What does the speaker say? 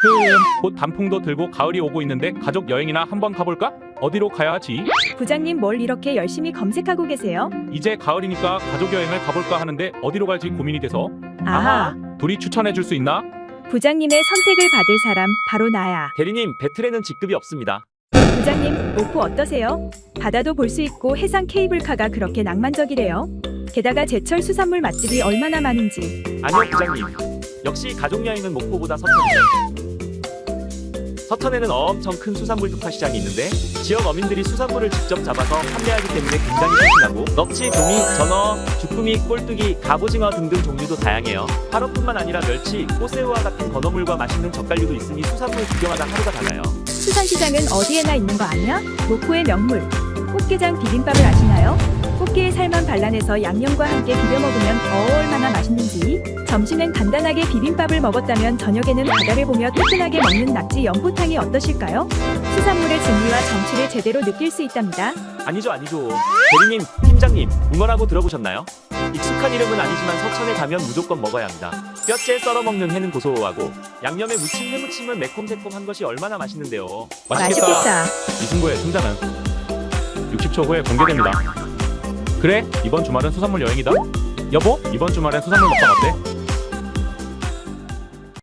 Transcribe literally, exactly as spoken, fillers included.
흠, 곧 단풍도 들고 가을이 오고 있는데 가족 여행이나 한번 가볼까? 어디로 가야 하지? 부장님 뭘 이렇게 열심히 검색하고 계세요? 이제 가을이니까 가족 여행을 가볼까 하는데 어디로 갈지 고민이 돼서. 아하, 둘이 추천해 줄 수 있나? 부장님의 선택을 받을 사람 바로 나야. 대리님, 배틀에는 직급이 없습니다. 부장님, 목포 어떠세요? 바다도 볼 수 있고 해상 케이블카가 그렇게 낭만적이래요. 게다가 제철 수산물 맛집이 얼마나 많은지. 아니요, 부장님. 역시 가족여행은 목포보다 서천이죠. 서천에는 엄청 큰 수산물 특화시장이 있는데 지역 어민들이 수산물을 직접 잡아서 판매하기 때문에 굉장히 싱싱하고 넙치, 도미, 전어, 주꾸미, 꼴뚜기, 갑오징어 등등 종류도 다양해요. 화로뿐만 아니라 멸치, 꽃새우와 같은 건어물과 맛있는 젓갈류도 있으니 수산물 구경하다 하루가 다 가요. 수산시장은 어디에나 있는 거 아니야? 목포의 명물. 꽃게장 비빔밥을 아시나요? 꽃게의 살만 발라내서 양념과 함께 비벼 먹으면 어 얼마나 맛있는지. 점심엔 간단하게 비빔밥을 먹었다면 저녁에는 바다를 보며 뜨끈하게 먹는 낙지 연포탕이 어떠실까요? 수산물의 진미와 정취를 제대로 느낄 수 있답니다. 아니죠, 아니죠. 대리님, 팀장님, 웅어라고 들어보셨나요? 익숙한 이름은 아니지만 서천에 가면 무조건 먹어야 합니다. 뼈째 썰어 먹는 회는 고소하고 양념에 무친 회무침은 매콤새콤한 것이 얼마나 맛있는데요. 맛있겠다. 맛있겠다. 이승구의 승자는 육십 초 후에 공개됩니다. 그래, 이번 주말은 수산물 여행이다. 여보, 이번 주말엔 수산물 먹방 어때?